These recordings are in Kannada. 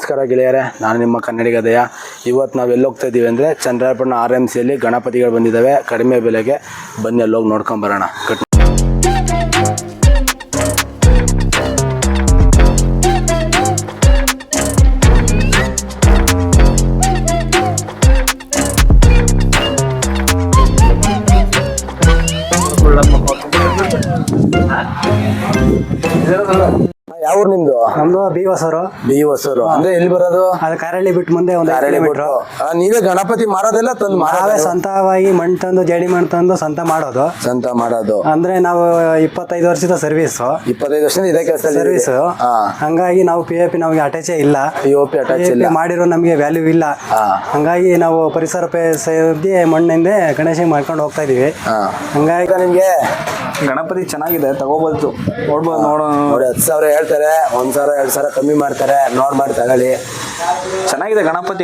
ನಮಸ್ಕಾರ ಗೆಳೆಯರೇ, ನಾನು ನಿಮ್ಮ ಕನ್ನಡಿಗ ದಯ. ಇವತ್ತು ನಾವು ಎಲ್ಲಿ ಹೋಗ್ತಾ ಇದ್ದೀವಿ ಅಂದರೆ ಚಂದ್ರಾಯಪಟ್ಟಣ RMCಯಲ್ಲಿ ಗಣಪತಿಗಳು ಬಂದಿದ್ದಾವೆ ಕಡಿಮೆ ಬೆಲೆಗೆ. ಬನ್ನಿ ಅಲ್ಲೋಗಿ ನೋಡ್ಕೊಂಬರೋಣ. ಯಾವ ಊರು ನಿಮ್ದು? ನಮ್ದು ಬಿ ಹೊಸೂರು. ಅಂದ್ರೆ ಎಲ್ಲಿ ಬರೋದು? ಅದು ಕಾರಳ್ಳಿ ಬಿಟ್ಟು ಮುಂದೆ ಒಂದು ನೀವೇ ಗಣಪತಿ ಮಾರೋದೆಲ್ಲ ತಂದು ನಾವೇ ಸ್ವಂತವಾಗಿ ಮಣ್ಣು ತಂದು ಜಡಿ ಮಣ್ಣು ತಂದು ಸ್ವಂತ ಮಾಡೋದು. ಅಂದ್ರೆ ನಾವು 25 ವರ್ಷದ ಸರ್ವಿಸ್. 25 ವರ್ಷದಿಂದ ಇದೇ ಕೆಲಸ ಸರ್ವಿಸ್. ಹಂಗಾಗಿ ನಾವು POP ನಮಗೆ ಅಟ್ಯಾಚೇ ಇಲ್ಲ. POP ಮಾಡಿರೋ ನಮಗೆ ವ್ಯಾಲ್ಯೂ ಇಲ್ಲ. ಹಂಗಾಗಿ ನಾವು ಪರಿಸರ ಸೇರಿ ಮಣ್ಣಿಂದ ಗಣೇಶ ಮಾಡ್ಕೊಂಡು ಹೋಗ್ತಾ ಇದೀವಿ. ಹಂಗಾಗಿ ನಿಮ್ಗೆ ಗಣಪತಿ ಚೆನ್ನಾಗಿದೆ, ತಗೋಬಹುದು, ನೋಡ್ಬೋದು. ನೋಡಿ 10,000 ಹೇಳ್ತಾರೆ, 1,000 2,000 ಕಮ್ಮಿ ಮಾಡ್ತಾರೆ. ಮಾಡಿ ತಗೊಳ್ಳಿ. ಚೆನ್ನಾಗಿದೆ ಗಣಪತಿ.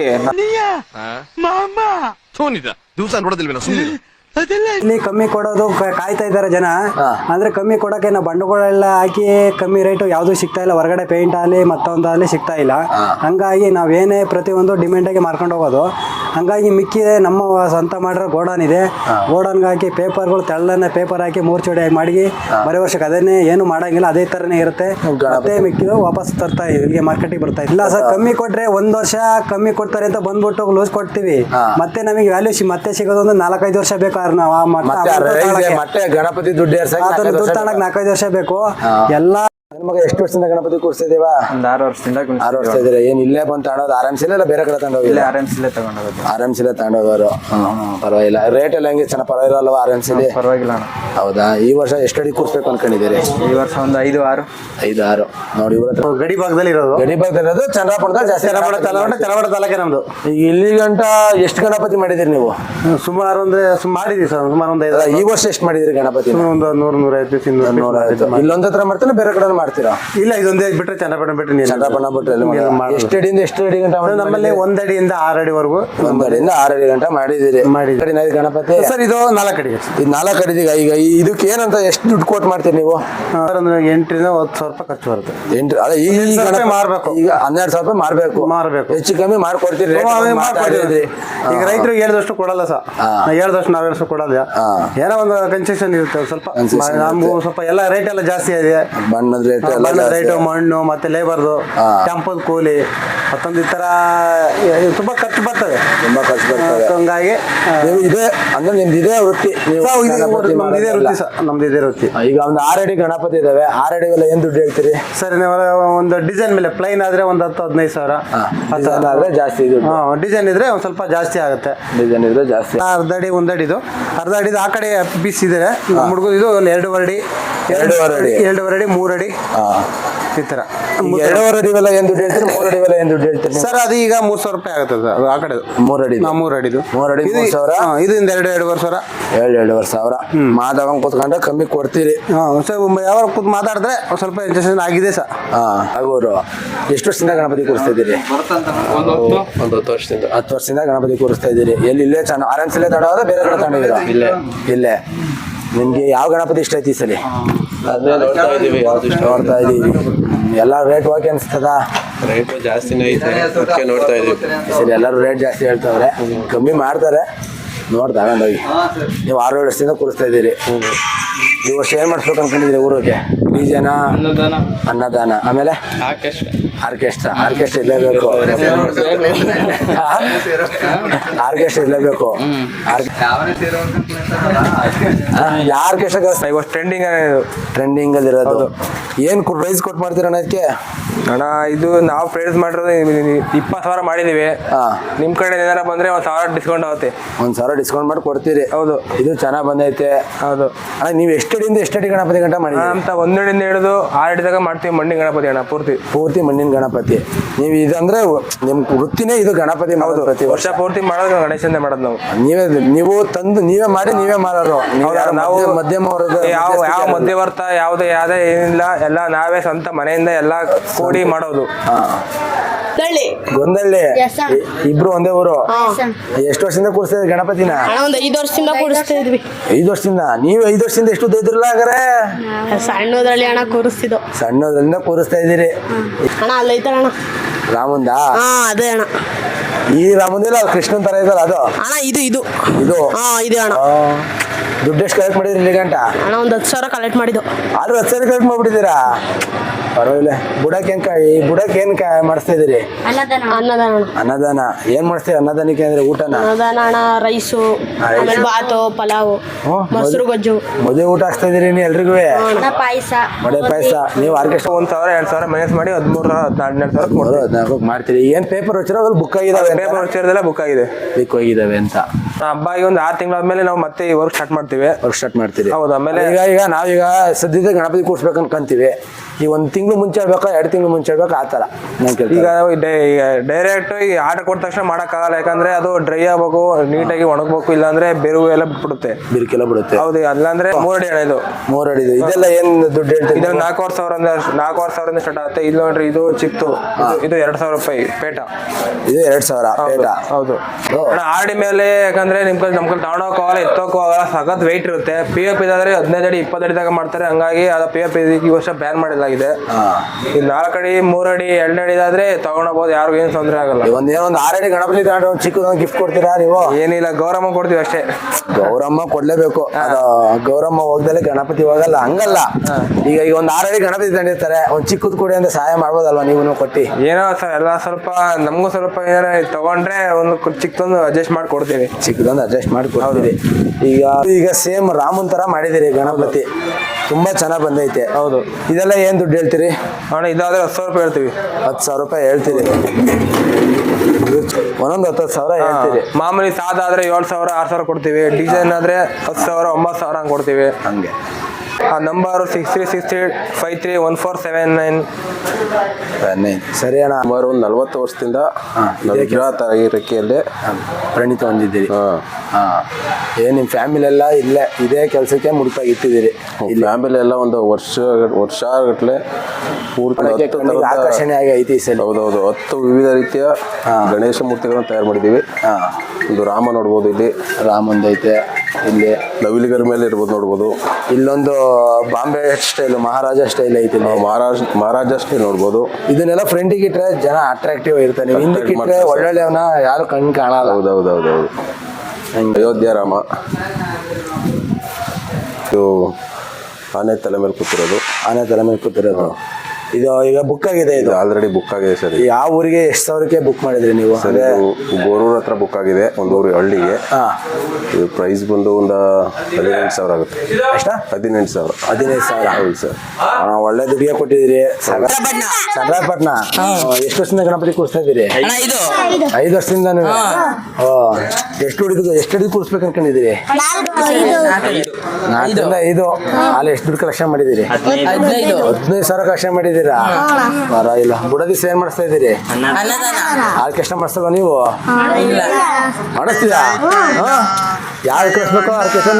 ದಿವಸ ನೋಡೋದಿಲ್ವೇನೋ ಸುಮ್ಮನೆ ಇಲ್ಲಿ ಕಮ್ಮಿ ಕೊಡೋದು ಕಾಯ್ತಾ ಇದ್ದಾರೆ ಜನ. ಅಂದ್ರೆ ಕಮ್ಮಿ ಕೊಡಕ್ಕೆ ನಾವು ಬಂಡವಾಳ ಹಾಕಿ ಕಮ್ಮಿ ರೇಟು ಯಾವ್ದು ಸಿಗ್ತಾ ಇಲ್ಲ. ಹೊರಗಡೆ ಪೇಂಟ್ ಆಗಲಿ ಮತ್ತೊಂದಾಗಲಿ ಸಿಗ್ತಾ ಇಲ್ಲ. ಹಂಗಾಗಿ ನಾವೇನೇ ಪ್ರತಿಯೊಂದು ಡಿಮ್ಯಾಂಡಾಗಿ ಮಾರ್ಕೊಂಡು ಹೋಗೋದು. ಹಂಗಾಗಿ ಮಿಕ್ಕಿದೆ ನಮ್ಮ ಸ್ವಂತ ಮಾಡಿರೋ ಗೋಡನ್ ಇದೆ. ಗೋಡನ್ಗೆ ಹಾಕಿ ಪೇಪರ್ಗಳು ತೆಳ್ಳನೆ ಪೇಪರ್ ಹಾಕಿ 3 ಚೋಡಿಯಾಗಿ ಮಾಡಿ ಬರೋ ವರ್ಷಕ್ಕೆ ಅದನ್ನೇ ಏನು ಮಾಡಂಗಿಲ್ಲ, ಅದೇ ಥರನೇ ಇರುತ್ತೆ. ಮತ್ತೆ ಮಿಕ್ಕಿದು ವಾಪಸ್ ತರ್ತಾ ಇಲ್ಲಿಗೆ ಮಾರ್ಕೆಟಿಗೆ ಬರ್ತಾ ಇಲ್ಲ ಸರ್. ಕಮ್ಮಿ ಕೊಟ್ರೆ 1 ವರ್ಷ ಕಮ್ಮಿ ಕೊಡ್ತಾರೆ ಅಂತ ಬಂದ್ಬಿಟ್ಟು ಲೂಸ್ ಕೊಡ್ತೀವಿ. ಮತ್ತೆ ನಮಗೆ ವ್ಯಾಲ್ಯೂ ಮತ್ತೆ ಸಿಗೋದು ಒಂದು 4-5 ವರ್ಷ ಬೇಕು. ಮತ್ತೆ ಗಣಪತಿ ದುಡ್ಡು ದುಡ್ಡು ತಗೊಳಕ್ 4-5 ವರ್ಷ ಬೇಕು. ಎಲ್ಲ ಮಗ ಎಷ್ಟು ವರ್ಷದಿಂದ ಗಣಪತಿ ಕೂರಿಸ್ತಿದೀವ? ಒಂದು 6 ವರ್ಷದಿಂದ. 6 ವರ್ಷ ಇದ್ರೆ ಏನ್ ಇಲ್ಲೇ ಬಂದು ತಗೊಳೋದು? RMCಲೇ ಇಲ್ಲ ಬೇರೆ ಕಡೆ ತಗೊಂಡೋಗಿಲ್ಲ? RMCಲೇ ತಗೊಂಡೋಗೋದು. RMCಲೇ ತಗೊಂಡೋಗೋರು. ಪರವಾಗಿಲ್ಲ. ರೇಟ್ ಎಲ್ಲ ಹೆಂಗೆ ಚೆನ್ನಾಗಿ ಪರವಾಗಿಲ್ಲ ಅಲ್ವಾ RMCಲಿ? ಪರವಾಗಿಲ್ಲ ಅಣ್ಣ. ಹೌದಾ? ಈ ವರ್ಷ ಎಷ್ಟು ಅಡಿ ಕೂರಿಸ್ಬೇಕು ಅನ್ಕೊಂಡಿದ್ದೀರಿ? ಈ ವರ್ಷ ಒಂದು 5-6. ನೋಡಿ ಇವ್ರ ಹತ್ರ ಗಡಿ ಭಾಗದಲ್ಲಿ ಇರೋದು ಚಂದ್ರಾಪುರದಲ್ಲಿ ಜಾಸ್ತಿ. ಚನ್ನಪಟ್ಟಣ ತಾಲೂಕೆ ನಮ್ದು. ಈಗ ಇಲ್ಲಿ ಗಂಟ ಎಷ್ಟು ಗಣಪತಿ ಮಾಡಿದಿರಿ ನೀವು? ಸುಮಾರು ಮಾಡಿದೀವಿ ಸರ್. ಸುಮಾರು ಒಂದು 5. ಈ ವರ್ಷ ಎಷ್ಟು ಮಾಡಿದಿರಿ ಗಣಪತಿ? ಒಂದು 100-150. ಇಲ್ಲೊಂದ್ ಹತ್ರ ಮಾಡ್ತಾನೆ ಬೇರೆ ಕಡೆ ಮಾಡ್ತೀರಾ? ಇಲ್ಲ, ಇದೊಂದೇ ಬಿಟ್ರೆ ಚನ್ನಪಟ್ಟಣ ಬಿಟ್ಟರೆ ಚಂದ್ರಾಪಟ್ಟಣ ಬಿಟ್ಟರೆ ಎಷ್ಟು ಅಡಿಯಿಂದ ಎಷ್ಟು ಅಡಿ ಗಂಟ? ನಮ್ಮಲ್ಲಿ 1 ಅಡಿಯಿಂದ 6 ಅಡಿವರೆಗೂ. 1 ಅಡಿಯಿಂದ 6 ಅಡಿ ಗಂಟ ಮಾಡಿದಿರಿ. ಗಣಪತಿ ಸರ್ ಇದು 4 ಅಡಿ. ಇದು 4 ಅಡಿ. ಈಗ ಇದಕ್ಕೆ ಏನಂತ ಎಷ್ಟು ದುಡ್ಡು ಕೊಟ್ಟು ಮಾಡ್ತೀರಿ ನೀವು? 8,000-10,000 ರೂಪಾಯಿ ಖರ್ಚು ಬರುತ್ತೆ. ಈಗ ಮಾರ್ಬೇಕು. ಈಗ 12,000 ರೂಪಾಯಿ ಮಾರ್ಬೇಕು. ಹೆಚ್ಚು ಕಮ್ಮಿ ಮಾಡ್ಕೊಡ್ತೀರಿ? ಈಗ ರೈತರಿಗೆ ಹೇಳಿದಷ್ಟು ಕೊಡಲ್ಲ ಸರ್. ಹೇಳಿದಷ್ಟು ನಾವು ಹೇಳಿದಷ್ಟು ಕೊಡಲ್ಲ. ಏನೋ ಒಂದು ಕನ್ಸೆಷನ್ ಇರುತ್ತೆ ಸ್ವಲ್ಪ. ನಮಗೂ ಸ್ವಲ್ಪ ಎಲ್ಲ ರೇಟ್ ಎಲ್ಲ ಜಾಸ್ತಿ ಇದೆ. ಬಣ್ಣದ ರೇಟ್, ಮಣ್ಣು ಮತ್ತೆ ಲೇಬರ್ದು ಟೆಂಪಲ್ ಕೂಲಿ ಮತ್ತೊಂದು ಈ ತರ ತುಂಬಾ ಖರ್ಚು ಬರ್ತದೆ. ಹಂಗಾಗಿ ಇದೆ ಅಂದ್ರೆ ನಿಮ್ದು ಇದೇ ವೃತ್ತಿ? ನಮ್ದು ಇದೇ ವೃತ್ತಿ. ಈಗ ಒಂದು 6 ಅಡಿ ಗಣಪತಿ ಇದಾವೆ. 6 ಅಡಿ ಏನ್ ದುಡ್ಡು ಹೇಳ್ತೀರಿ? ಸರಿ, ಒಂದು ಡಿಸೈನ್ ಮೇಲೆ ಪ್ಲೈನ್ ಆದ್ರೆ ಒಂದು 10-15 ಸಾವಿರ. ಆದ್ರೆ ಜಾಸ್ತಿ ಡಿಸೈನ್ ಇದ್ರೆ ಒಂದ್ ಸ್ವಲ್ಪ ಜಾಸ್ತಿ ಆಗುತ್ತೆ. ಡಿಸೈನ್ ಇದ್ರೆ ಜಾಸ್ತಿ. 1/2 ಅಡಿ 1 ಅಡಿದು 1/2 ಅಡಿದು ಆ ಕಡೆ ಪೀಸ್ ಇದೆ. ಹುಡುಗ ಇದು 2.5 ಅಡಿ 2.5 ಅಡಿ 3 ಅಡಿ ಈ ತರ. 2.5 ಅಡಿ ಏನ್ ದುಡ್ಡು ಹೇಳ್ತೀರಿ? 3 ಅಡಿ ಏನ್ ದುಡ್ಡು ಹೇಳ್ತೀರಿ ಸರ್? ಅದು ಈಗ 3,000 ರೂಪಾಯಿ ಆಗುತ್ತೆ ಸರ್. ಆ ಕಡೆ 3 ಅಡಿ 3 ಅಡಿದು 3 ಅಡಿ 3,000. ಇದರಿಂದ 2.5 ಸಾವಿರ. 2.5 ಸಾವಿರ ಮಾತಾಡಂಗ್ ಕೂತ್ಕೊಂಡ್ರೆ ಕಮ್ಮಿ ಕೊಡ್ತೀರಿ? ಯಾವ ಕೂತ್ ಮಾತಾಡಿದ್ರೆ ಸ್ವಲ್ಪ ಇಂಜೆಕ್ಷನ್ ಆಗಿದೆ ಸರ್. ಆಗೋರು. ಎಷ್ಟು ವರ್ಷದಿಂದ ಗಣಪತಿ ಕೂರಿಸ್ತಾ ಇದ್ದೀರಿ? ಒಂದು 10 ವರ್ಷದಿಂದ. 10 ವರ್ಷದಿಂದ ಗಣಪತಿ ಕೂರಿಸ್ತಾ ಇದ್ದೀರಿ. ಎಲ್ಲಿ RMCಲೇ ತಗೊಂಡೋದ ಬೇರೆ ಕಡೆ ತಗೊಂಡಿದ್ದೀರಾ? ಇಲ್ಲೇ. ನಿಮ್ಗೆ ಯಾವ ಗಣಪತಿ ಇಷ್ಟ ಐತಿ ಈ ಸಲ? ನೋಡ್ತಾ ಇದೀವಿ. ಎಲ್ಲ ರೇಟ್ ಓಕೆ ಅನ್ಸ್ತದ? ರೇಟ್ ಜಾಸ್ತಿನೇ ಐತೆ, ಅದಕ್ಕೆ ನೋಡ್ತಾ ಇದೀವಿ. ಸರಿ, ಎಲ್ಲರೂ ರೇಟ್ ಜಾಸ್ತಿ ಹೇಳ್ತಾವ್ರೆ, ಕಮ್ಮಿ ಮಾಡ್ತಾರೆ. ನೋಡಿ ತಗೊಂಡೋಗಿ. ನೀವು 6-7 ವರ್ಷದಿಂದ ಕೂರಿಸ್ತಾ ಇದ್ದೀರಿ. ಈ ವರ್ಷ ಏನ್ ಮಾಡಿಸ್ಬೇಕು ಅನ್ಕೊಂಡಿದ್ದೀರಿ ಊರಿಗೆ? ಡಿಜೆನ, ಅನ್ನದಾನ, ಆಮೇಲೆ ಆರ್ಕೆಸ್ಟ್ರಾ ಇರಲೇಬೇಕು. ಆರ್ಕೆಸ್ಟ್ರಾ ಇರಲೇಬೇಕು. ಆರ್ಕೆಸ್ಟ್ರಾ ಟ್ರೆಂಡಿಂಗ್ ಅಲ್ಲಿ ಇರೋದು. ಏನ್ ಪ್ರೈಸ್ ಕೊಟ್ಟು ಮಾಡ್ತೀರ ಅದಕ್ಕೆ? ಅಣ್ಣ ಇದು ನಾವು ಪ್ರೈಸ್ ಮಾಡಿರೋದು 20,000 ಮಾಡಿದೀವಿ. ನಿಮ್ ಕಡೆ ಏನಾರ ಬಂದ್ರೆ 1,000 ಡಿಸ್ಕೌಂಟ್ ಆಗುತ್ತೆ. 1,000 ಡಿಸ್ಕೌಂಟ್ ಮಾಡಿ ಕೊಡ್ತೀರಿ? ಹೌದು. ಇದು ಚೆನ್ನಾಗ್ ಬಂದೈತೆ. ಹೌದು ಅಣ್ಣ, ನೀವು ಎಷ್ಟು ಅಡಿ ಗಣಪತಿ ಗಂಟ ಮಾಡಿ? ಅಂತ 1 ಅಡಿಯಿಂದ ಹಿಡಿದು 6 ಅಡಿ ತನಕ ಮಾಡ್ತೀವಿ. ಮಣ್ಣಿನ ಗಣಪತಿ ಅಣ್ಣ, ಪೂರ್ತಿ ಮಣ್ಣಿನ ಗಣಪತಿ. ನೀವು ಇದಂದ್ರೆ ನಿಮ್ ವೃತ್ತಿನೇ ಇದು ಗಣಪತಿ? ಹೌದು, ಪ್ರತಿ ವರ್ಷ ಪೂರ್ತಿ ಮಾಡೋದು ಗಣೇಶಂದೇ ಮಾಡೋದು ನಾವು. ನೀವು ತಂದು ನೀವೇ ಮಾಡಿ ನೀವೇ ಮಾರೋರು? ನಾವು ಮಧ್ಯಮ ಯಾವ ಮಧ್ಯವರ್ತ ಯಾವುದೇ ಏನಿಲ್ಲ, ಎಲ್ಲ ನಾವೇ ಸ್ವಂತ ಮನೆಯಿಂದ ಎಲ್ಲ ಕೂಡಿ ಮಾಡೋದು. ಗೊಂದಳ್ಳಿ. ಇಬ್ರು ಒಂದೇ ಊರು? ಎಷ್ಟು ವರ್ಷದಿಂದ ಕೂರಿಸ್ತಾ ಇದ್ರಿ ಗಣಪತಿನ? 5 ವರ್ಷದಿಂದ ಕೂರಿಸ್ತಾ ಇದ್ವಿ. 5 ವರ್ಷದಿಂದ? ನೀವು 5 ವರ್ಷದಿಂದ ಎಷ್ಟು ಇದ್ರಲ್ಲ ಹಾಗಾರೆ? ಸಣ್ಣದ್ರಲ್ಲಿ ಅಣ್ಣ ಕೂರಿಸ್ತಿದ್ದು. ಸಣ್ಣದ್ರಿಂದ ಕೂರಿಸ್ತಾ ಇದ್ದೀರಿ? ಅಣ್ಣ ಅಲ್ಲೈತಣ್ಣ ರಾಮಂದಾ ಹಾ ಅದೇ ಅಣ್ಣ. ಈ ರಾಮಂದಿಲ್ಲ ಕೃಷ್ಣನ್ ತರ ಇದಲ್ಲ ಅದು ಅಣ್ಣ ಇದು ಇದು ಇದು ಹಾ ಇದೆ ಅಣ್ಣ. ದುಡ್ಡು ಎಷ್ಟು ಕಲೆಕ್ಟ್ ಮಾಡಿದ್ರಿ ಇಲ್ಲಿ ಗಂಟ? ಅಣ್ಣ ಒಂದು 10,000 ಕಲೆಕ್ಟ್ ಮಾಡಿದ್ದು. ಆದ್ರೂ 10,000 ಕಲೆಕ್ಟ್ ಮಾಡ್ಬಿಟ್ಟಿದ್ದೀರಾ? ಪರವಾಗಿಲ್ಲ. ಬುಡಕ್ಕೆ ಏನ್ ಮಾಡಿಸ್ತಾ ಇದೀರಿ? ಅನ್ನದಾನ ಅಣ್ಣ. ಅನ್ನದಾನ ಏನ್ ಮಾಡ್ತೀವಿ ಅನ್ನದಾನಕ್ಕೆ ಅಂದ್ರೆ ಊಟನ? ಅನ್ನದಾನ ಅಣ್ಣ, ರೈಸು, ಆಮೇಲೆ ಬಾತು, ಪಲಾವು, ಮೊಸರು ಗೊಜ್ಜು. ಮದುವೆ ಊಟ ಹಾಕ್ಸ್ತಾ ಇದೀರಿ ನೀವು ಎಲ್ರಿಗೂ? ಪಾಯಸ, ವಡೆ ಪಾಯಸ. ನೀವು ಆರ್ಕೆಸ್ಟ್ರಾ 1,000 2,000 ಮೈನಸ್ ಮಾಡಿ 13,000 14,000 ಮಾಡ್ತೀರಿ. ಏನ್ ಪೇಪರ್ ವಚ್ಚಿರೋ ಅದ್ರಲ್ಲಿ ಬುಕ್ ಆಗಿದಾವೆ? ಪೇಪರ್ ವರ್ಷದಲ್ಲ ಬುಕ್ ಆಗಿದೆ, ಬುಕ್ ಹೋಗಿದಾವೆ ಅಂತ. ಹಬ್ಬಗೆ ಒಂದು 6 ತಿಂಗಳಾದ್ಮೇಲೆ ನಾವು ಮತ್ತೆ ಈ ವರ್ಕ್ ಸ್ಟಾರ್ಟ್ ಮಾಡ್ತೀವಿ. ವರ್ಕ್ ಸ್ಟಾರ್ಟ್ ಮಾಡ್ತೀರಿ? ಹೌದು. ಆಮೇಲೆ ಈಗ ನಾವೀಗ ಸದ್ಯದ ಗಣಪತಿ ಕೂರ್ಸ್ಬೇಕು ಅನ್ಕೊಂತೀವಿ. ಈ 1 ತಿಂಗಳು ಮುಂಚೆ ಹೇಳ್ಬೇಕಾ 2 ತಿಂಗಳು ಮುಂಚೆ ಹೇಳ್ಬೇಕಾ ಆ ಥರ ಈಗ ಡೈರೆಕ್ಟ್ ಈ ಆರ್ಡರ್ ಕೊಟ್ಟ ತಕ್ಷಣ ಮಾಡೋಕ್ಕಾಗಲ್ಲ. ಯಾಕಂದ್ರೆ ಅದು ಡ್ರೈ ಆಗ್ಬೇಕು, ನೀಟಾಗಿ ಒಣಗಬೇಕು, ಇಲ್ಲಾಂದ್ರೆ ಬೆರುವು ಎಲ್ಲ ಬಿಟ್ಬಿಡುತ್ತೆ, ಬಿರುಕೆಲ್ಲ ಬಿಡುತ್ತೆ. ಹೌದು. ಅಲ್ಲಾಂದ್ರೆ 3 ಅಡಿ ಅಣ್ಣ ಇದು. 3 ಅಡಿದು ಇದೆಲ್ಲ ಏನ್ ದುಡ್ಡು ಹೇಳ್ತೀವಿ? ಇದು 4,500 ಸ್ಟಾರ್ಟ್ ಆಗುತ್ತೆ. ಇದು ನೋಡ್ರಿ, ಇದು ಚಿಕ್ತು, ಇದು 2,000 ರೂಪಾಯಿ ಪೇಟ. ಇದು 2,000 ಪೇಟ. ಹೌದು ಅಣ್ಣ. ಆರ್ಡಿ ಮೇಲೆ ಯಾಕಂದ್ರೆ ನಮ್ ಕೈಲಿ ತಗೊಂಡೋಗೋ ಆಗಲ್ಲ, ಎತ್ತೋಕೋ ಆಗಲ್ಲ, ಸಖತ್ ವೆಯ್ಟ್ ಇರುತ್ತೆ. POP ಇದಾದ್ರೆ 15 ಅಡಿ 20 ಅಡಿ ತಗ ಮಾಡ್ತಾರೆ. ಹಂಗಾಗಿ ಅದು POP ಈ ವರ್ಷ ಬ್ಯಾನ್ ಮಾಡಿದಾಗಿದೆ. ಈ 4 ಅಡಿ 3 ಅಡಿ 2 ಅಡಿ ಆದ್ರೆ ತಗೊಂಡೋಗ್ಬೋದು, ಯಾರಿಗೂ ಏನು ತೊಂದರೆ ಆಗಲ್ಲ. ಒಂದು 6 ಅಡಿ ಗಣಪತಿ ತಗೊಂಡ್ರೆ ಒಂದು ಚಿಕ್ಕದೊಂದು ಗಿಫ್ಟ್ ಕೊಡ್ತೀರಾ ನೀವು? ಏನಿಲ್ಲ, ಗೌರಮ್ಮ ಕೊಡ್ತೀವಿ ಅಷ್ಟೇ. ಗೌರಮ್ಮ ಕೊಡ್ಲೇಬೇಕು. ಅದು ಗೌರಮ್ಮ ಹೋಗ್ದಲೆ ಗಣಪತಿ ಹೋಗಲ್ಲ, ಹಂಗಲ್ಲ. ಈಗ ಒಂದು 6 ಅಡಿ ಗಣಪತಿ ತಂದಿರ್ತಾರೆ, ಒಂದು ಚಿಕ್ಕದ್ ಕೊಡಿ ಅಂತ ಸಹಾಯ ಮಾಡ್ಬೋದಲ್ವಾ ನೀವು ಕೊಟ್ಟಿ? ಏನೋ ಎಲ್ಲ ಸ್ವಲ್ಪ ನಮಗೂ ಸ್ವಲ್ಪ ಏನಾರ ತಗೊಂಡ್ರೆ ಒಂದು ಚಿಕ್ಕದೊಂದು ಅಡ್ಜಸ್ಟ್ ಮಾಡಿ ಕೊಡ್ತೀವಿ. ಚಿಕ್ಕದೊಂದು ಅಡ್ಜಸ್ಟ್ ಮಾಡಿ ಕೊಡ್ತೀರಿ. ಈಗ ಸೇಮ್ ರಾಮನ್ ತರ ಮಾಡಿದಿರಿ ಗಣಪತಿ, ತುಂಬಾ ಚೆನ್ನಾಗಿ ಬಂದೈತೆ. ಹೌದು. ಇದೆಲ್ಲ ಏನ್ ದುಡ್ಡು ಹೇಳ್ತೀರಿ ಅಣ್ಣ? ಇದಾದ್ರೆ 10,000 ರೂಪಾಯಿ ಹೇಳ್ತೀವಿ. 10,000 ರೂಪಾಯಿ ಹೇಳ್ತೀರಿ? ಒಂದೊಂದು 10,000 ಹೇಳ್ತೀರಿ. ಮಾಮೂಲಿ ಸಾದಾದ್ರೆ 7,000 6,000 ಕೊಡ್ತೀವಿ. ಡಿಸೈನ್ ಆದ್ರೆ 10,000 9,000 ಹಂಗೆ ಕೊಡ್ತೀವಿ. ಹಂಗೆ. ಆ ನಂಬರ್ 6363531479. ಸರಿ ಅಣ್ಣ. ಸುಮಾರು ಒಂದು 40 ವರ್ಷದಿಂದ ನಾವು ವಿಗ್ರಹ ತಯಾರಿಕೆಯಲ್ಲಿ ಪರಿಣಿತ ಹೊಂದಿದ್ದೀರಿ. ಏನ್ ನಿಮ್ ಫ್ಯಾಮಿಲಿ ಎಲ್ಲ ಇದೇ ಕೆಲಸಕ್ಕೆ ಮುಡುಪಾಗಿ ಇಟ್ಟಿದ್ದೀರಿ? ಫ್ಯಾಮಿಲಿ ಎಲ್ಲ ಒಂದು ವರ್ಷಗಟ್ಟಲೆ ಪೂರ್ತಿ ಆಕರ್ಷಣೆ ಆಗಿ ಐತಿ ಈ ಸಲ. ಹೌದೌದು. 10 ವಿವಿಧ ರೀತಿಯ ಗಣೇಶ ಮೂರ್ತಿಗಳನ್ನು ತಯಾರು ಮಾಡಿದ್ದೀವಿ. ಒಂದು ರಾಮ ನೋಡ್ಬೋದು, ಇಲ್ಲಿ ರಾಮಂದೈತೆ, ಇಲ್ಲಿ ನವಿಲಿಗರ ಮೇಲೆ ಇರ್ಬೋದು ನೋಡ್ಬೋದು. ಇಲ್ಲೊಂದು ಬಾಂಬೆ ಸ್ಟೈಲ್ ಮಹಾರಾಜ ಸ್ಟೈಲ್ ಐತಿ, ಮಹಾರಾಜ ಸ್ಟೈಲ್ ನೋಡ್ಬೋದು. ಇದನ್ನೆಲ್ಲ ಫ್ರಂಟಿಗೆ ಇಟ್ರೆ ಜನ ಅಟ್ರಾಕ್ಟಿವ್ ಇರ್ತಾನೆ. ಹಿಂದಕ್ಕೆ ಇಟ್ರೆ ಒಳ್ಳೊಳ್ಳೆಯವನ ಯಾರು ಕಣ್ ಕಾಣಲ್ಲ. ಹೌದೌದೌದೌದು. ಅಯೋಧ್ಯ ರಾಮ ಇದು ಆನೆ ತಲೆ ಮೇಲೆ ಕೂತಿರೋದು. ಇದು ಈಗ ಬುಕ್ ಆಗಿದೆ. ಇದು ಆಲ್ರೆಡಿ ಬುಕ್ ಆಗಿದೆ ಸರ್. ಯಾವ ಊರಿಗೆ ಎಷ್ಟು ಸಾವಿರಕ್ಕೆ ಬುಕ್ ಮಾಡಿದ್ರಿ ನೀವು? ಸರ್ ಗೋರೂರ್ ಹತ್ರ ಬುಕ್ ಆಗಿದೆ, ಒಂದು ಊರು ಹಳ್ಳಿಗೆ. ಇದು ಪ್ರೈಸ್ ಬಂದು ಒಂದು 18,000 ಆಗುತ್ತೆ. ಎಷ್ಟ? 18,000. 15,000. ಹೌದು ಸರ್. ಒಳ್ಳೆ ದುಡ್ಡಿಗೆ ಕೊಟ್ಟಿದ್ದೀರಿ. ಚಂದ್ರಪಟ್ಟಣ ಎಷ್ಟು ವರ್ಷದಿಂದ ಗಣಪತಿ ಕೂರಿಸ್ತಾ ಇದ್ದೀರಿ? 5 ವರ್ಷದಿಂದ. ಎಷ್ಟು ಹುಡುಗಿ ಕೂರಿಸ್ಬೇಕು ಅನ್ಕೊಂಡಿದ್ದೀರಿ? 4ರಿಂದ 5. ಅಲ್ಲಿ ಎಷ್ಟು ದುಡ್ಡು ಕಲೆಕ್ಷನ್ ಮಾಡಿದ್ದೀರಿ? 15,000 ಕಲೆಕ್ಷನ್ ಮಾಡಿದ್ದೀರಾ? ಪರವಾಗಿಲ್ಲ. ಬುಡದಿ ಏನ್ ಮಾಡಿಸ್ತಾ ಇದ್ದೀರಿ? ಆರ್ಕೆಸ್ಟ್ರಾ ಮಾಡಿಸ್ತಲ್ವಾ ನೀವು? ಮಾಡಿಸ್ತೀರಾ? ಯಾರು ಕಳಿಸ್ಬೇಕು ಆರ್ಕೆಸ್ಟ್ರಾನ?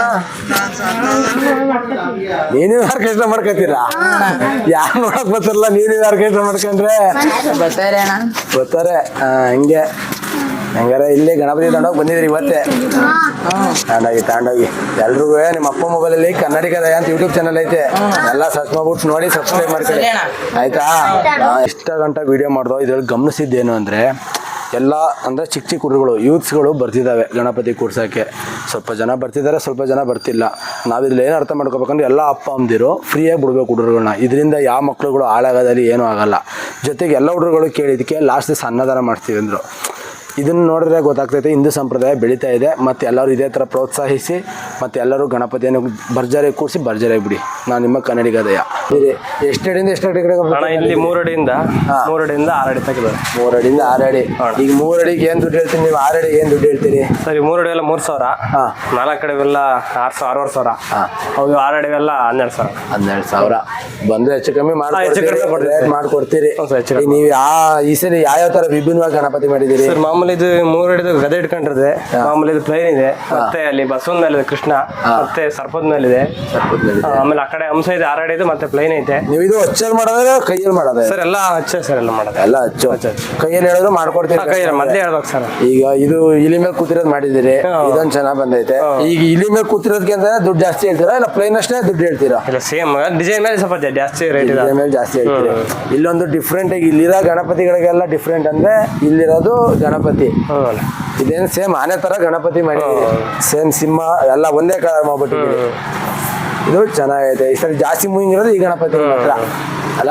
ನೀನು ಆರ್ಕೆಸ್ಟ್ರಾ ಮಾಡ್ಕೊತೀರಾ? ಯಾರು ನೋಡಕ್ ಬರ್ತಾರಲ್ಲ, ನೀನು ಆರ್ಕೆಸ್ಟ್ರಾ ಮಾಡ್ಕೊಂಡ್ರೆ ಬರ್ತಾರೆ. ಹಂಗೆ ಹಂಗಾರ ಇಲ್ಲಿ ಗಣಪತಿ ತಗೊಂಡೋಗಿ ಬಂದಿದ್ರಿ ಇವತ್ತೇ? ತಗೊಂಡೋಗಿ ಎಲ್ರಿಗೂ ನಿಮ್ಮ ಅಪ್ಪ ಮೊಬೈಲಲ್ಲಿ ಕನ್ನಡಿಗದ ಅಂತ ಯೂಟ್ಯೂಬ್ ಚಾನಲ್ ಐತೆ, ಎಲ್ಲ ಸರ್ಚ್ ಮಾಡ್ಬಿಟ್ಟು ನೋಡಿ ಸಬ್ಸ್ಕ್ರೈಬ್ ಮಾಡ್ಕೊಳ್ಳಿ ಆಯ್ತಾ? ಇಷ್ಟ ಗಂಟೆ ವಿಡಿಯೋ ಮಾಡ್ದೋ ಇದ್ರಲ್ಲಿ ಗಮನಿಸಿದ್ದೇನು ಅಂದರೆ ಎಲ್ಲ ಅಂದರೆ ಚಿಕ್ಕ ಹುಡುಗರು ಯೂತ್ಸ್ಗಳು ಬರ್ತಿದ್ದಾವೆ ಗಣಪತಿ ಕೂಡ್ಸೋಕ್ಕೆ. ಸ್ವಲ್ಪ ಜನ ಬರ್ತಿದ್ದಾರೆ, ಸ್ವಲ್ಪ ಜನ ಬರ್ತಿಲ್ಲ. ನಾವಿದ್ರಲ್ಲಿ ಏನು ಅರ್ಥ ಮಾಡ್ಕೋಬೇಕಂದ್ರೆ ಎಲ್ಲ ಅಪ್ಪ ಅಮ್ಮದಿರು ಫ್ರೀಯಾಗಿ ಬಿಡ್ಬೇಕು ಹುಡುಗರುಗಳನ್ನ. ಇದರಿಂದ ಯಾವ ಮಕ್ಳುಗಳು ಹಾಳಾಗೋದಲ್ಲಿ ಏನೂ ಆಗಲ್ಲ. ಜೊತೆಗೆ ಎಲ್ಲ ಹುಡುಗರು ಕೇಳಿದ್ದಕ್ಕೆ ಲಾಸ್ಟ್ ದಿವಸ ಅನ್ನದಾನ ಮಾಡ್ತೀವಿ ಅಂದರು. ಇದನ್ನು ನೋಡಿದ್ರೆ ಗೊತ್ತಾಗ್ತೈತೆ ಹಿಂದೂ ಸಂಪ್ರದಾಯ ಬೆಳೀತಾ ಇದೆ. ಮತ್ತು ಎಲ್ಲರೂ ಇದೇ ಥರ ಪ್ರೋತ್ಸಾಹಿಸಿ ಮತ್ತು ಎಲ್ಲರೂ ಗಣಪತಿಯನ್ನು ಭರ್ಜರಿಯಾಗಿ ಕೂರಿಸಿ ಭರ್ಜರಿಯಾಗಿ ಬಿಡಿ. ನಾನು ನಿಮ್ಮ ಕನ್ನಡಿಗದಯ. ಎಷ್ಟು ಅಡಿಯಿಂದ ಎಷ್ಟು ಅಡಿ? ಇಲ್ಲಿ 3 ಅಡಿಯಿಂದ 6 ಅಡಿ ತೆಗೆದಾರೆ. 3 ಅಡಿಯಿಂದ 6 ಅಡಿ. ಈಗ 3 ಅಡಿಗೆ ಏನು ದುಡ್ಡು ಹೇಳ್ತೀನಿ ನೀವು? 6 ಅಡಿಗೆ ಏನು ದುಡ್ಡು ಹೇಳ್ತೀರಿ? ಸರಿ, 3 ಅಡಿ ಎಲ್ಲ 3,000. 4 ಅಡಿವೆಲ್ಲ 6,000. ಹೌದು, 6 ಅಡಿವೆಲ್ಲ 12,000. ಬಂದ್ರೆ ಹೆಚ್ಚು ಕಮ್ಮಿ ಮಾಡ್ಕೊಡ್ತೀರಿ. ನೀವು ಈ ಸರಿ ಯಾವ್ಯಾವ ಥರ ವಿಭಿನ್ನವಾಗಿ ಗಣಪತಿ ಮಾಡಿದ್ದೀರಿ? ಮಾಮೂಲಿ ಇದು 3 ಅಡಿದು ಗದೆ ಇಟ್ಕೊಂಡಿರುತ್ತೆ. ಮಾಮೂಲಿ ಇದು ಪ್ಲೈನ್ ಇದೆ. ಮತ್ತೆ ಅಲ್ಲಿ ಬಸವನ ಮೇಲೆ ಕೃಷ್ಣ ಕೃಷ್ಣ ಮತ್ತೆ ಸರ್ಪದ ಮೇಲಿದೆ. ಆಮೇಲೆ ಆ ಕಡೆ ಹಂಸ ಇದೆ, 6 ಅಡಿದು ಮತ್ತೆ ಪ್ಲೈನ್ ಐತೆ. ನೀವು ಇದು ಹಚ್ಚಲ್ಲಿ ಮಾಡೋದ್ರೆ ಕೈಯಲ್ಲಿ ಮಾಡೋದು? ಸರ್ ಎಲ್ಲ ಹಚ್ಚ ಸರ್ ಎಲ್ಲ ಮಾಡೋದು. ಎಲ್ಲ ಹಚ್ಚು ಕೈಯಲ್ಲಿ ಹೇಳಿದ್ರು ಮಾಡ್ಕೊಡ್ತೀವಿ. ಕೈ ಮೊದಲೇ ಹೇಳ್ಬೇಕು ಸರ್. ಈಗ ಇದು ಇಲಿ ಮೇಲೆ ಕೂತಿರೋದು ಮಾಡಿದಿರಿ, ಇದೊಂದು ಚೆನ್ನಾಗಿ ಬಂದೈತೆ. ಈಗ ಇಲಿ ಮೇಲೆ ಕೂತಿರೋದಕ್ಕೆ ಅಂತ ದುಡ್ಡು ಜಾಸ್ತಿ ಹೇಳ್ತೀರಾ ಇಲ್ಲ ಪ್ಲೈನ್ ಅಷ್ಟೇ ದುಡ್ಡು ಹೇಳ್ತೀರಾ? ಇಲ್ಲ ಸೇಮ್ ಡಿಸೈನ್ ಮೇಲೆ ಸ್ವಲ್ಪ ಜಾಸ್ತಿ ರೇಟ್ ಇದೆ. ಮೇಲೆ ಜಾಸ್ತಿ ಹೇಳ್ತೀರಾ. ಇಲ್ಲೊಂದು ಡಿಫ್ರೆಂಟ್ ಆಗಿ ಇಲ್ಲಿರೋ ಗಣಪತಿಗಳಿಗೆಲ್ಲ ಡಿಫ್ರೆಂಟ್ ಅಂದ್ರೆ ಇಲ್ಲಿರೋದು ಗಣಪತಿ ಇದೇನು ಸೇಮ್ ಆನೆ ತರ ಗಣಪತಿ ಮಾಡಿದ್ದೀರಿ, ಸೇಮ್ ಸಿಂಹ ಎಲ್ಲ ಒಂದೇ ಕಲರ್ ಮಾಡ್ಬಿಟ್ಟಿದ್ದೀರಿ. ಇದು ಚೆನ್ನಾಗೈತೆ. ಈ ಸರಿ ಜಾಸ್ತಿ ಮೂವಿಂಗ್ ಇರೋದು ಈ ಗಣಪತಿ ಮಾತ್ರ ಅಲ್ಲ?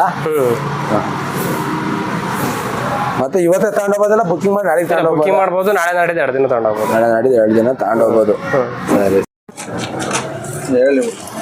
ಮತ್ತೆ ಇವತ್ತೇ ತಗೊಂಡೋಗೋದಲ್ಲ, ಬುಕಿಂಗ್ ಮಾಡಿ ನಾಳೆ ಬುಕಿಂಗ್ ಮಾಡ್ಬೋದು, ನಾಳೆ ನಾಡಿದ್ದು 2 ದಿನ ತಗೊಂಡೋಗ್ಬೋದು. ನಾಳೆ ನಾಡಿದ್ದು 2 ದಿನ ತಗೊಂಡೋಗ್ಬೋದು. ಸರಿ ಹೇಳಿ